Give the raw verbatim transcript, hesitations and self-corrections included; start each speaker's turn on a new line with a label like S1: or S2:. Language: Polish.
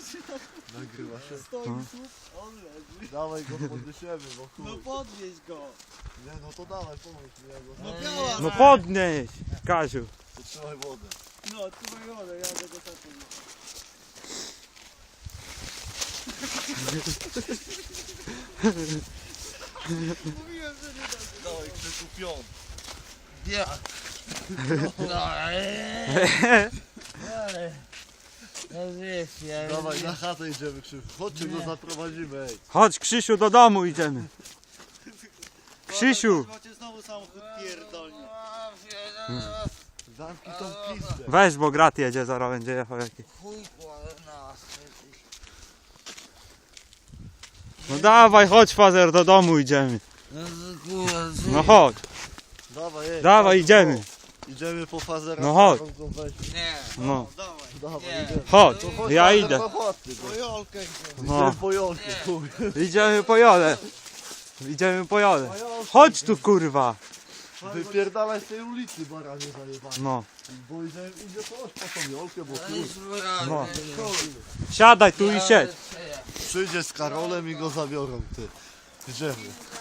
S1: Nagrywa się.
S2: Stoi słup, on leży.
S1: Dawaj go podniesiemy, bo
S2: No
S1: chuj.
S2: podnieś go.
S1: Nie no to dawaj, pomóż mi, ja go
S2: No
S1: no,
S2: biała.
S3: No podnieś, Kaziu.
S1: to trzymaj wodę.
S2: No, trzymaj wodę, ja tego sam podniosę. Mówiłem, że nie da.
S1: Dawaj, Krzysiu, pion.
S4: Ja. No, no wiesz, ja
S1: Dawaj, na chatę idziemy, Krzysiu. Chodźcie, go zaprowadzimy, ej.
S3: Chodź, Krzysiu, do domu idziemy. Krzysiu,
S2: Macie znowu samochód pierdolnie.
S1: Zamknij tą pizdę.
S3: weź, bo grat jedzie, zaraz będzie jechał jakiś.
S4: chuj kładę nas.
S3: No dawaj, chodź, fazer, do domu idziemy.
S4: No to kurwa,
S3: No chodź,
S1: Dawaj, ej.
S3: dawaj,
S1: chodź,
S3: idziemy.
S1: o. Idziemy po fazera.
S3: No chodź.
S1: tam go weźmie.
S4: nie.
S3: No,
S2: Dawaj.
S1: Dawaj,
S4: Nie.
S1: idziemy.
S3: chodź,
S1: To chodź,
S3: ja
S1: fazer,
S3: idę.
S1: na chaty,
S2: Po
S1: bo-
S2: Jolkę idziemy.
S3: No,
S1: Idziemy po Jolkę, chuj.
S3: idziemy po Jolę. Idziemy po Jolę. Chodź tu, kurwa.
S1: Wypierdalaj z tej ulicy, baranie zajebane.
S3: No,
S1: Bo idzie, idzie coś po tą Jolkę, bo
S4: No
S1: chuj.
S4: już wyraźnie.
S3: No. siadaj tu i siedź.
S1: Przyjdzie z Karolem i go zabiorą, ty. Idziemy.